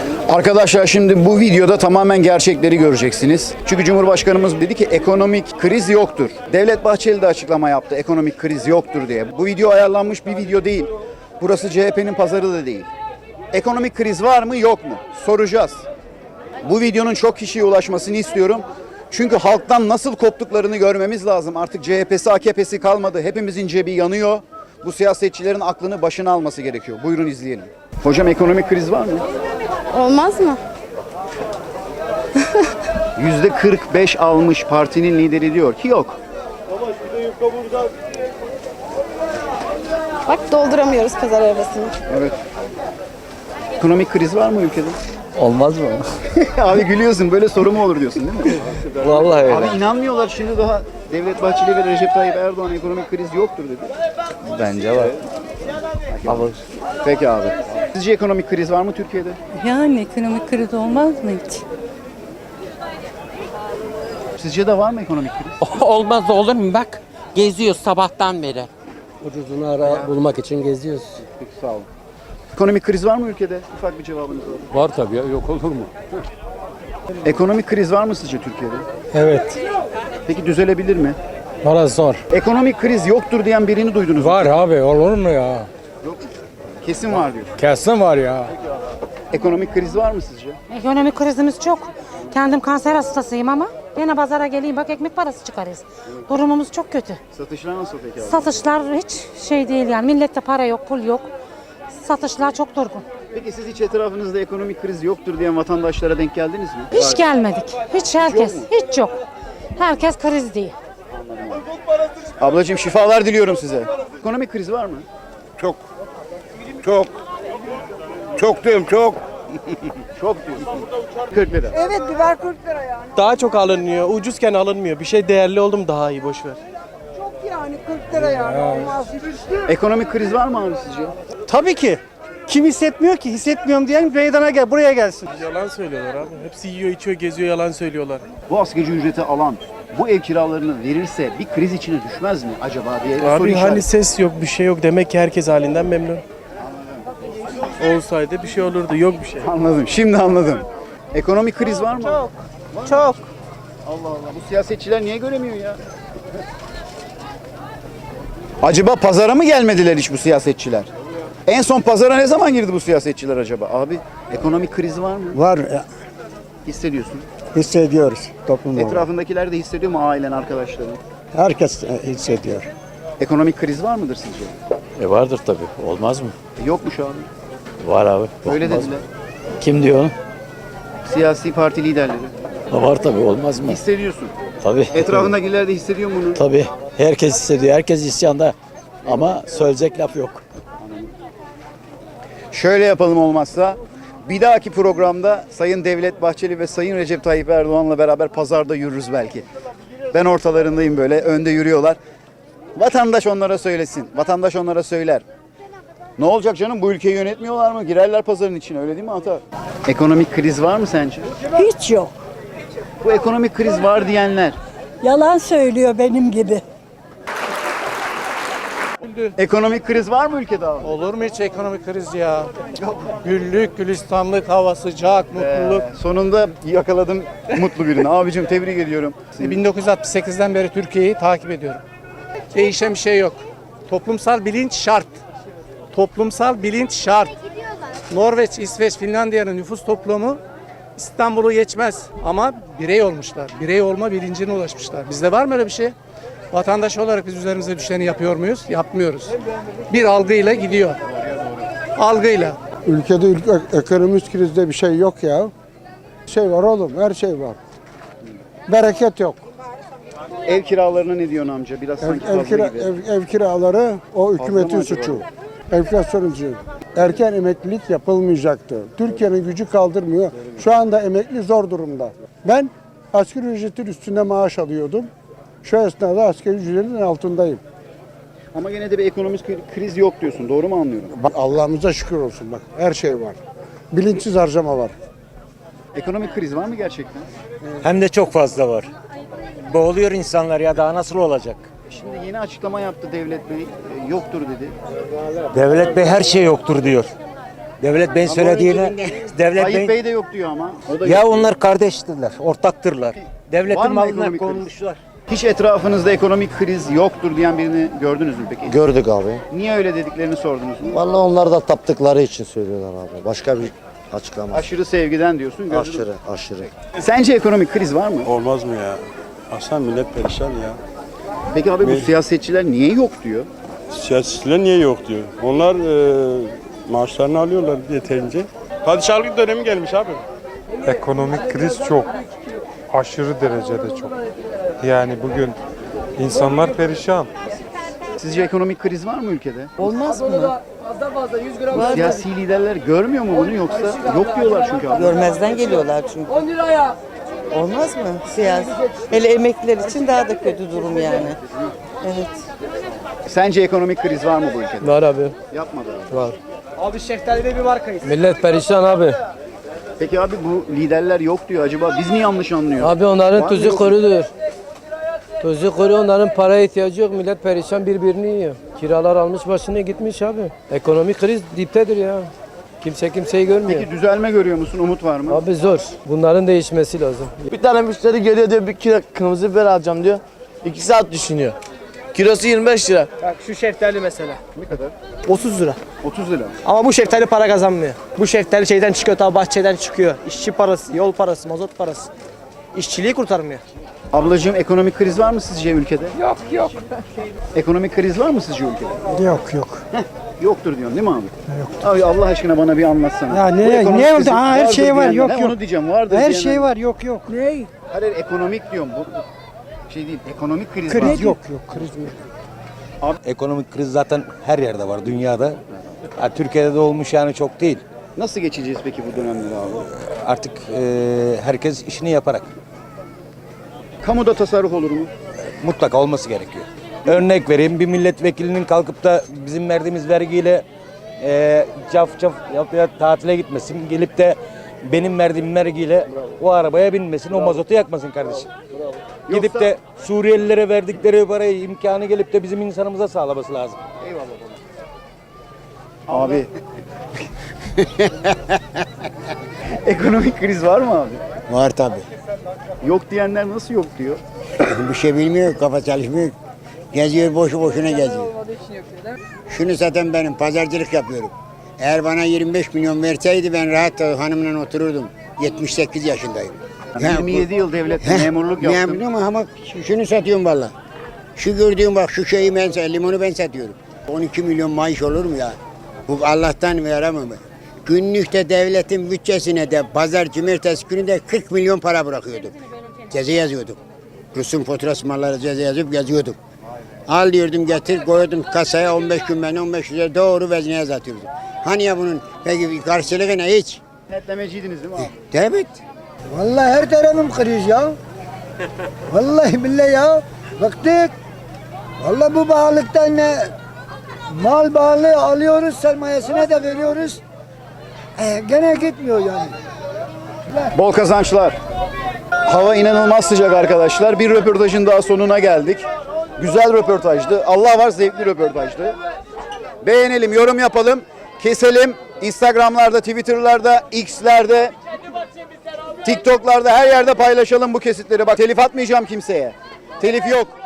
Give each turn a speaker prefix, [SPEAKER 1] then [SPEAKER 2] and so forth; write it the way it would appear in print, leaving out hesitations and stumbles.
[SPEAKER 1] Arkadaşlar şimdi bu videoda tamamen gerçekleri göreceksiniz. Çünkü Cumhurbaşkanımız dedi ki ekonomik kriz yoktur. Devlet Bahçeli de açıklama yaptı ekonomik kriz yoktur diye. Bu video ayarlanmış bir video değil. Burası CHP'nin pazarı da değil. Ekonomik kriz var mı yok mu? Soracağız. Bu videonun çok kişiye ulaşmasını istiyorum. Çünkü halktan nasıl koptuklarını görmemiz lazım. Artık CHP'si, AKP'si kalmadı. Hepimizin cebi yanıyor. Bu siyasetçilerin aklını başına alması gerekiyor. Buyurun izleyelim. Hocam ekonomik kriz var mı?
[SPEAKER 2] Olmaz mı?
[SPEAKER 1] %45 almış partinin lideri diyor ki yok.
[SPEAKER 2] Bak dolduramıyoruz pazar arabasını.
[SPEAKER 1] Evet. Ekonomik kriz var mı ülkede?
[SPEAKER 3] Olmaz mı?
[SPEAKER 1] Abi gülüyorsun, böyle soru mu olur diyorsun değil mi?
[SPEAKER 3] Vallahi öyle.
[SPEAKER 1] Abi inanmıyorlar, şimdi daha Devlet Bahçeli ve Recep Tayyip Erdoğan ekonomik kriz yoktur dedi.
[SPEAKER 3] Bence var. Ama
[SPEAKER 1] Peki abi. Sizce ekonomik kriz var mı Türkiye'de?
[SPEAKER 4] Yani ekonomik kriz olmaz mı hiç?
[SPEAKER 1] Sizce de var mı ekonomik kriz?
[SPEAKER 5] Olmaz olur mu? Bak geziyoruz sabahtan beri.
[SPEAKER 3] ucuzunu ara bulmak için geziyoruz.
[SPEAKER 1] Peki sağ olun. Ekonomik kriz var mı ülkede? Ufak bir cevabınız var.
[SPEAKER 6] Var tabii ya, yok olur mu?
[SPEAKER 1] Ekonomik kriz var mı sizce Türkiye'de?
[SPEAKER 6] Evet,
[SPEAKER 1] Peki düzelebilir mi?
[SPEAKER 6] orası zor.
[SPEAKER 1] Ekonomik kriz yoktur diyen birini duydunuz mu?
[SPEAKER 6] Var abi, olur mu ya?
[SPEAKER 1] Yok mu? Kesin var diyor.
[SPEAKER 6] Kesin var ya.
[SPEAKER 1] Ekonomik kriz var mı sizce?
[SPEAKER 7] Ekonomik krizimiz çok. Kendim kanser hastasıyım ama yine pazara geleyim bak ekmek parası çıkarız. Durumumuz çok kötü.
[SPEAKER 1] Satışlar nasıl peki abi?
[SPEAKER 7] Satışlar hiç şey değil yani millette para yok, pul yok. Satışlar çok durgun.
[SPEAKER 1] Peki siz hiç etrafınızda ekonomik kriz yoktur diyen vatandaşlara denk geldiniz mi?
[SPEAKER 7] Hiç gelmedik. Hiç herkes,
[SPEAKER 1] yok mu?
[SPEAKER 7] hiç yok. Herkes kriz değil.
[SPEAKER 1] Ablacığım şifalar diliyorum size. Ekonomik kriz var mı?
[SPEAKER 8] Çok. Çok. Çok diyorum çok.
[SPEAKER 1] Çok diyorsun. 40 lira.
[SPEAKER 9] Evet biber 40 lira yani.
[SPEAKER 10] Daha çok alınmıyor. Ucuzken alınmıyor. Bir şey değerli oldu mu daha iyi, boş ver.
[SPEAKER 9] Çok yani 40 lira yani olmaz.
[SPEAKER 1] Ekonomik kriz var mı abi sizce?
[SPEAKER 10] Tabii ki. Kim hissetmiyor ki? Hissetmiyorum diyen meydana gel, buraya gelsin. Yalan söylüyorlar abi. Hepsi yiyor, içiyor, geziyor, yalan söylüyorlar.
[SPEAKER 1] Bu asgari ücreti alan bu ev kiralarını verirse bir kriz içine düşmez mi acaba diye soru
[SPEAKER 10] Abi
[SPEAKER 1] işareti.
[SPEAKER 10] hani ses yok, bir şey yok. Demek ki herkes halinden memnun. Olsaydı bir şey olurdu. Yok bir şey.
[SPEAKER 1] Anladım. Şimdi anladım. Ekonomik kriz var mı?
[SPEAKER 9] Çok.
[SPEAKER 1] Allah Allah. Bu siyasetçiler niye göremiyor ya? Acaba pazara mı gelmediler hiç bu siyasetçiler? En son pazara ne zaman girdi bu siyasetçiler acaba? Abi ekonomik kriz var mı?
[SPEAKER 11] Var,
[SPEAKER 1] Hissediyorsun.
[SPEAKER 11] hissediyoruz toplum olarak.
[SPEAKER 1] Etrafındakiler de hissediyor mu, ailen, arkadaşların?
[SPEAKER 11] Herkes hissediyor.
[SPEAKER 1] Ekonomik kriz var mıdır sizce?
[SPEAKER 3] Vardır tabii. Olmaz mı?
[SPEAKER 1] Yokmuş abi.
[SPEAKER 3] Var abi.
[SPEAKER 1] Öyle
[SPEAKER 3] Olmaz
[SPEAKER 1] dediler.
[SPEAKER 3] mı? Kim diyor onu?
[SPEAKER 1] Siyasi parti liderleri.
[SPEAKER 3] Var tabii. Olmaz mı?
[SPEAKER 1] Hissediyorsun.
[SPEAKER 3] Tabii.
[SPEAKER 1] Etrafındakiler de hissediyor mu bunu?
[SPEAKER 3] Tabii. Herkes hissediyor. Herkes isyanda. Ama söyleyecek laf yok.
[SPEAKER 1] Şöyle yapalım olmazsa. Bir dahaki programda Sayın Devlet Bahçeli ve Sayın Recep Tayyip Erdoğan'la beraber pazarda yürürüz belki. Ben ortalarındayım böyle, önde yürüyorlar. Vatandaş onlara söylesin, vatandaş onlara söyler. Ne olacak canım, bu ülkeyi yönetmiyorlar mı? Girerler pazarın içine, öyle değil mi Ata? Ekonomik kriz var mı sence?
[SPEAKER 9] Hiç yok.
[SPEAKER 1] Bu ekonomik kriz var diyenler.
[SPEAKER 9] Yalan söylüyor benim gibi.
[SPEAKER 1] Ekonomik kriz var mı ülkede abi?
[SPEAKER 10] Olur mu hiç ekonomik kriz ya? Güllük, gülistanlık, hava sıcak, mutluluk.
[SPEAKER 1] Sonunda yakaladım mutlu birini. Abicim tebrik ediyorum.
[SPEAKER 10] 1968'den beri Türkiye'yi takip ediyorum. Değişen bir şey yok. Toplumsal bilinç şart. Toplumsal bilinç şart. Norveç, İsveç, Finlandiya'nın nüfus toplumu İstanbul'u geçmez ama birey olmuşlar. Birey olma bilincine ulaşmışlar. Bizde var mı öyle bir şey? Vatandaş olarak biz üzerimize düşeni yapıyor muyuz? Yapmıyoruz. Bir algıyla gidiyor. Algıyla.
[SPEAKER 11] Ülkede ekonomik krizde bir şey yok ya. Şey var oğlum, her şey var. Bereket yok.
[SPEAKER 1] Ev kiralarına ne diyorsun amca? Biraz sanki fazla gibi.
[SPEAKER 11] Ev kiraları o hükümetin
[SPEAKER 1] mı acaba?
[SPEAKER 11] suçu. Enflasyon suçu. Erken emeklilik yapılmayacaktı. Türkiye'nin gücü kaldırmıyor. Şu anda emekli zor durumda. Ben asgari ücretin üstünde maaş alıyordum. Şu esnada asgari ücretin altındayım.
[SPEAKER 1] Ama gene de bir ekonomik kriz yok diyorsun. Doğru mu anlıyorum?
[SPEAKER 11] Bak Allah'ımıza şükür olsun bak. Her şey var. Bilinçsiz harcama var.
[SPEAKER 1] Ekonomik kriz var mı gerçekten?
[SPEAKER 3] Hem de çok fazla var. Boğuluyor insanlar ya, daha nasıl olacak?
[SPEAKER 1] Şimdi yeni açıklama yaptı Devlet Bey. Yoktur dedi.
[SPEAKER 3] Devlet Bey her şey yoktur diyor. Devlet Bey'in söylediğine, Devlet
[SPEAKER 1] Tayyip
[SPEAKER 3] Bey,
[SPEAKER 1] Bey de yok diyor ama. O da
[SPEAKER 3] ya
[SPEAKER 1] yok.
[SPEAKER 3] onlar kardeştirler, ortaktırlar.
[SPEAKER 1] Var
[SPEAKER 3] Devletin
[SPEAKER 1] mı
[SPEAKER 3] malına
[SPEAKER 1] ekonomik kriz?
[SPEAKER 3] konmuşlar.
[SPEAKER 1] Hiç etrafınızda ekonomik kriz yoktur diyen birini gördünüz mü peki?
[SPEAKER 12] Gördük abi.
[SPEAKER 1] Niye öyle dediklerini sordunuz mu?
[SPEAKER 12] Vallahi onlar da taptıkları için söylüyorlar abi. Başka bir açıklama.
[SPEAKER 1] Aşırı sevgiden diyorsun. gördünüz.
[SPEAKER 12] Aşırı, aşırı.
[SPEAKER 1] Sence ekonomik kriz var mı?
[SPEAKER 8] Olmaz mı ya? Aslan millet perişan ya.
[SPEAKER 1] Peki abi bu siyasetçiler niye yok diyor?
[SPEAKER 8] Siyasetçiler niye yok diyor. Onlar maaşlarını alıyorlar yeterince. Padişahlık dönemi gelmiş abi.
[SPEAKER 6] Ekonomik kriz çok. Aşırı derecede çok. Yani bugün insanlar perişan.
[SPEAKER 1] Sizce ekonomik kriz var mı ülkede?
[SPEAKER 5] Olmaz mı?
[SPEAKER 1] Siyasi liderler görmüyor mu bunu yoksa yok diyorlar çünkü abi.
[SPEAKER 5] Görmezden geliyorlar çünkü. Olmaz mı siyasi? Hele emekliler için daha da kötü durum yani. Evet.
[SPEAKER 1] Sence ekonomik kriz var mı bu ülkede?
[SPEAKER 6] Var abi.
[SPEAKER 1] Yapmadı abi.
[SPEAKER 6] Var.
[SPEAKER 10] Abi şeftali'de bir markayız.
[SPEAKER 6] Millet perişan abi.
[SPEAKER 1] Peki abi bu liderler yok diyor. Acaba biz mi yanlış anlıyoruz?
[SPEAKER 6] Abi onların
[SPEAKER 1] Var mı
[SPEAKER 6] tuzu
[SPEAKER 1] yok mu?
[SPEAKER 6] kurudur. Tuzu kuru, onların paraya ihtiyacı yok. Millet perişan birbirini yiyor. Kiralar almış başına gitmiş abi. Ekonomik kriz diptedir ya. Kimse kimseyi görmüyor.
[SPEAKER 1] Peki düzelme görüyor musun? Umut var mı?
[SPEAKER 6] Abi zor. Bunların değişmesi lazım.
[SPEAKER 12] Bir tane müşteri geliyor diyor bir kilo kırmızı biber alacağım diyor. 2 saat düşünüyor. Kilosu 25 lira.
[SPEAKER 10] Bak şu şeftali mesela.
[SPEAKER 1] Ne kadar?
[SPEAKER 10] 30 lira.
[SPEAKER 1] 30 lira.
[SPEAKER 10] Ama bu şeftali para kazanmıyor. Bu şeftali şeyden çıkıyor, ta bahçeden çıkıyor. İşçi parası, yol parası, mazot parası. İşçiliği kurtarmıyor.
[SPEAKER 1] Ablacığım ekonomik kriz var mı sizce ülkede? Yok. Ekonomik kriz var mı sizce ülkede?
[SPEAKER 11] Yok.
[SPEAKER 1] Yoktur diyorsun değil mi abi? Yok. Abi Allah aşkına bana bir anlatsana.
[SPEAKER 11] Ya ne-
[SPEAKER 1] Bu ekonomik
[SPEAKER 11] ne oldu?
[SPEAKER 1] kriz
[SPEAKER 11] Ha, her
[SPEAKER 1] vardır
[SPEAKER 11] şey var,
[SPEAKER 1] diyenler,
[SPEAKER 11] yok,
[SPEAKER 1] he,
[SPEAKER 11] yok.
[SPEAKER 1] Onu diyeceğim vardır
[SPEAKER 11] Her
[SPEAKER 1] diyenler.
[SPEAKER 11] şey var, yok. Ne?
[SPEAKER 1] Hayır ekonomik diyorum. Bu şey değil. Ekonomik kriz var.
[SPEAKER 11] Kriz yok, kriz yok.
[SPEAKER 3] Ekonomik kriz zaten her yerde var dünyada. Ya, Türkiye'de de olmuş yani çok değil.
[SPEAKER 1] Nasıl geçeceğiz peki bu dönemleri abi?
[SPEAKER 3] Artık herkes işini yaparak
[SPEAKER 1] Kamuda tasarruf olur mu?
[SPEAKER 3] mutlaka olması gerekiyor. Örnek vereyim, bir milletvekilinin kalkıp da bizim verdiğimiz vergiyle caf yapıya tatile gitmesin. Gelip de benim verdiğim vergiyle o arabaya binmesin, o mazotu yakmasın kardeşim. Gidip de Suriyelilere verdikleri parayı imkanı gelip de bizim insanımıza sağlaması lazım.
[SPEAKER 1] Abi. Ekonomik kriz var mı abi?
[SPEAKER 12] Var tabi.
[SPEAKER 1] Yok diyenler nasıl yok diyor?
[SPEAKER 12] Bir şey bilmiyor, kafa çalışmıyor. Geziyor, boşu boşuna geziyor. Şunu zaten benim pazarcılık yapıyorum. Eğer bana 25 milyon verseydi ben rahat hanımla otururdum. 78 yaşındayım.
[SPEAKER 1] Yani 27 yıl devlette memurluk yaptım.
[SPEAKER 12] Memnunum ama şunu satıyorum valla. Şu gördüğüm bak şu şeyi limonu ben satıyorum. 12 milyon maaş olur mu ya? Bu Allah'tan veremem. Günlükte devletin bütçesine de pazar cumartesi günü de 40 milyon para bırakıyordum. Ceza yazıyordum. Rus'un faturası malları ceza yazıp yazıyordum. Al diyordum getir koyuyordum kasaya 15 gün ben 15 lira doğru vezneye satıyordum. Hani ya bunun peki karşılığı ne hiç?
[SPEAKER 1] Netlemeciydiniz değil mi abi?
[SPEAKER 12] Evet.
[SPEAKER 11] Vallahi her tarafım kriz ya. Vallahi billahi ya. Bıktık. Vallahi bu bağlıktan ne? Mal bağlı alıyoruz, sermayesine de veriyoruz. Gene gitmiyor yani.
[SPEAKER 1] Bol kazançlar. Hava inanılmaz sıcak arkadaşlar. Bir röportajın daha sonuna geldik. Güzel röportajdı. Allah var zevkli röportajdı. Beğenelim, yorum yapalım, keselim. Instagram'larda, Twitter'larda, X'lerde, TikTok'larda her yerde paylaşalım bu kesitleri. Bak telif atmayacağım kimseye. Telif yok.